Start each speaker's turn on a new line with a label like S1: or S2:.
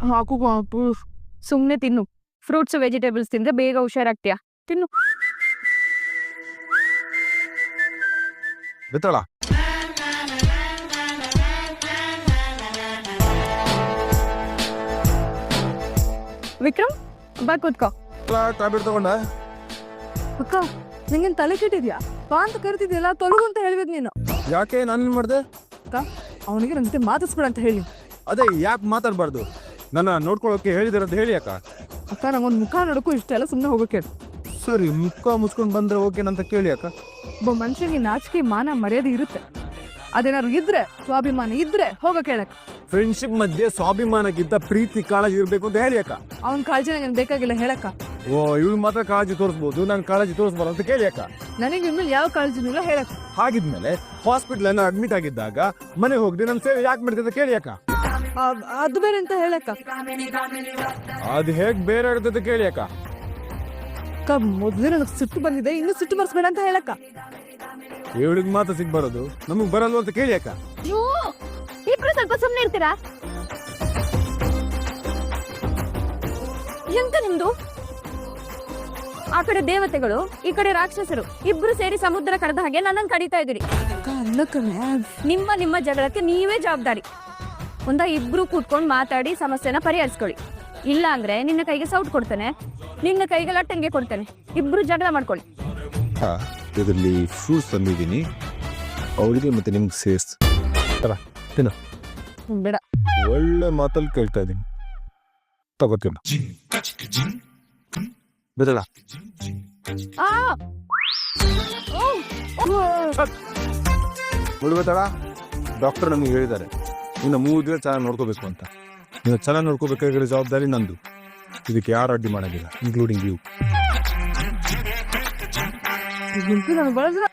S1: ಹಾಕು ಬಾಪು.
S2: ಸುಮ್ನೆ ತಿನ್ನು. ಫ್ರೂಟ್ಸ್ ವೆಜಿಟೇಬಲ್ಸ್ ತಿಂದ್ರೆ ಬೇಗ ಹುಷಾರಾಗ್ತೀಯಾ. ತಿನ್ನು.
S3: ಬಿತ್ತಳ
S2: ವಿಕ್ರಮ್ ಬಾ ಕೂತ್ಕೋ.
S3: ಟ್ಯಾಬ್ಲೆಟ್ ತಗೊಂಡ
S1: ಅಕ್ಕ ನಿಂಗೇನ್ ತಲೆ ಕೆಟ್ಟಿದ್ಯಾ? ಬಾ ಅಂತ ಕರಿತಿದ್ಯಲ್ಲ, ತೊಲಗು ಅಂತ ಹೇಳ್ಬೇಕು ನೀನು.
S3: ಯಾಕೆ ನಾನು ಮಾಡ್ದೆ?
S1: ಅಕ್ಕ ಅವನಿಗೆ ನನ್ನ ಜೊತೆ ಮಾತಾಡ್ಸ್ಬೇಡ ಅಂತ ಹೇಳಿ.
S3: ಅದೇ ಯಾಕೆ ಮಾತಾಡಬಾರ್ದು? ನನ್ನ ನೋಡ್ಕೊಳ್ಳೋಕೆ ಹೇಳಿದಾರೆ ಅಂತ ಹೇಳಿ ಅಕ್ಕ.
S1: ಅಕ್ಕ ನಂಗೊಂದು ಮುಖ ನೋಡಕ್ಕೂ ಇಷ್ಟ ಎಲ್ಲ, ಸುಮ್ಮನೆ ಹೋಗೋಕೆ.
S3: ಸರಿ, ಮುಖ ಮುಚ್ಕೊಂಡು ಬಂದ್ರೆ ಓಕೆನಂತ ಕೇಳಿ ಅಕ್ಕ.
S1: ಒಬ್ಬ ಮನುಷ್ಯನಿಗೆ ನಾಚಿಕೆ ಮಾನ ಮರ್ಯಾದೆ ಇರುತ್ತೆ. ಅದೇನಾದ್ರು ಇದ್ರೆ, ಸ್ವಾಭಿಮಾನ ಇದ್ರೆ ಹೋಗೋಕೆ ಹೇಳಕ್ಕ.
S3: ಫ್ರೆಂಡ್ಶಿಪ್ ಮಧ್ಯೆ ಸ್ವಾಭಿಮಾನಕ್ಕಿಂತ ಪ್ರೀತಿ ಕಾಳಜಿ ಇರಬೇಕು ಅಂತ ಹೇಳಿ ಅಕ್ಕ.
S1: ಅವನ ಕಾಳಜಿ ನನಗೆ ಬೇಕಾಗಿಲ್ಲ ಹೇಳಕ್ಕ.
S3: ಓ, ಇವಳು ಮಾತ್ರ ಕಾಳಜಿ ತೋರಿಸ್ಬೋದು, ನಾನು ಕಾಳಜಿ ತೋರಿಸ್ಬಾರ್ದು ಅಂತ ಕೇಳಿ ಅಕ್ಕ.
S1: ನನಗೆ ಇನ್ಮೇಲೆ ಯಾವ ಕಾಳಜಿನೂ ಇಲ್ಲ ಹೇಳಕ್ಕ.
S3: ಹಾಗಿದ್ಮೇಲೆ ಹಾಸ್ಪಿಟ್ಲ್ ಅಡ್ಮಿಟ್ ಆಗಿದ್ದಾಗ ಮನೆ ಹೋಗಿ ನನ್ನ ಸೇವೆ ಯಾಕೆ ಮಾಡ್ತಿದ್ದ ಕೇಳಿ ಅಕ್ಕ.
S1: ಅದು ಬೇರೆ ಅಂತ ಹೇಳಕ್ಕ.
S3: ಅದು ಹೇಗ್ ಬೇರೆ ಆಗುತ್ತೆ ಕೇಳಿ ಅಕ್ಕ.
S1: ಅಕ್ಕ ಮೊದ್ಲೇ ನನಗೆ ಸಿಟ್ಟು ಬಂದಿದೆ, ಇನ್ನು ಸಿಟ್ಟು ಬರ್ಸ್ಬೇಡ ಅಂತ ಹೇಳಕ್ಕ.
S3: ಇವಳಿಗೆ ಮಾತ್ರ ಸಿಗ್ ಬರೋದು, ನಮಗ್ ಬರಲ್ವ ಅಂತ ಕೇಳಿ ಅಕ್ಕ.
S2: ಇಬ್ರು ಸ್ವಲ್ಪ ಸುಮ್ನೆ ಇರ್ತೀರಾ? ಎಂತ ನಿಮ್ದು? ಆ ಕಡೆ ದೇವತೆಗಳು, ಈ ಕಡೆ ರಾಕ್ಷಸರು, ಇಬ್ರು ಸೇರಿ ಸಮುದ್ರ ಕಡದ ಹಾಗೆ ನನ್ನನ್ನು ಕಡಿತಾ ಇದ್ದೀರಿ.
S1: ಅಕ್ಕ ಅನ್ನಕ್ಕನೆ
S2: ನಿಮ್ಮ ಜಗಳಕ್ಕೆ ನೀವೇ ಜವಾಬ್ದಾರಿ. ಇಬ್ರು ಕೂತ್ಕೊಂಡು ಮಾತಾಡಿ ಸಮಸ್ಯೆನ ಪರಿಹರಿಸ್ಕೊಳ್ಳಿ. ಇಲ್ಲ ಅಂದ್ರೆ ನಿನ್ನ ಕೈಗೆ ಸೌಟ್ ಕೊಡ್ತೇನೆ, ನಿನ್ನ ಕೈಗೆ ಲಟ್ಟಂಗೆ ಕೊಡ್ತೇನೆ. ಇಬ್ರು ಜಗಳ ಮಾಡ್ಕೊಳ್ಳಿ.
S3: ಇದರಲ್ಲಿ ಫ್ರೂಟ್ಸ್ ತಂದಿದ್ದೀನಿ, ಅವಳಿಗೆ ಮತ್ತೆ ನಿಮ್ಗೆ ಸೇರ್ಸ್ ತಿನ್ನ.
S1: ಬೇಡ.
S3: ಒಳ್ಳೆ ಮಾತಲ್ಲಿ ಕೇಳ್ತಾ ಇದ್ದೀನಿ, ತಗೋತೀನಿ. ಬಿಡಲ್ಲ ಮುಳುಗತ್ತಳ. ಡಾಕ್ಟರ್ ನಮ್ಗೆ ಹೇಳಿದ್ದಾರೆ, ಇನ್ನು 3 ದಿನ ಚೆನ್ನಾಗಿ ನೋಡ್ಕೋಬೇಕು ಅಂತ. ನೀವು ಚೆನ್ನಾಗಿ ನೋಡ್ಕೋಬೇಕಾಗಿರೋ ಜವಾಬ್ದಾರಿ ನಂದು. ಇದಕ್ಕೆ ಯಾರು ಅಡ್ಡಿ ಮಾಡೋದಿಲ್ಲ, ಇನ್ಕ್ಲೂಡಿಂಗ್ ಯು.
S1: ನನಗೆ ಬಳಸಿದ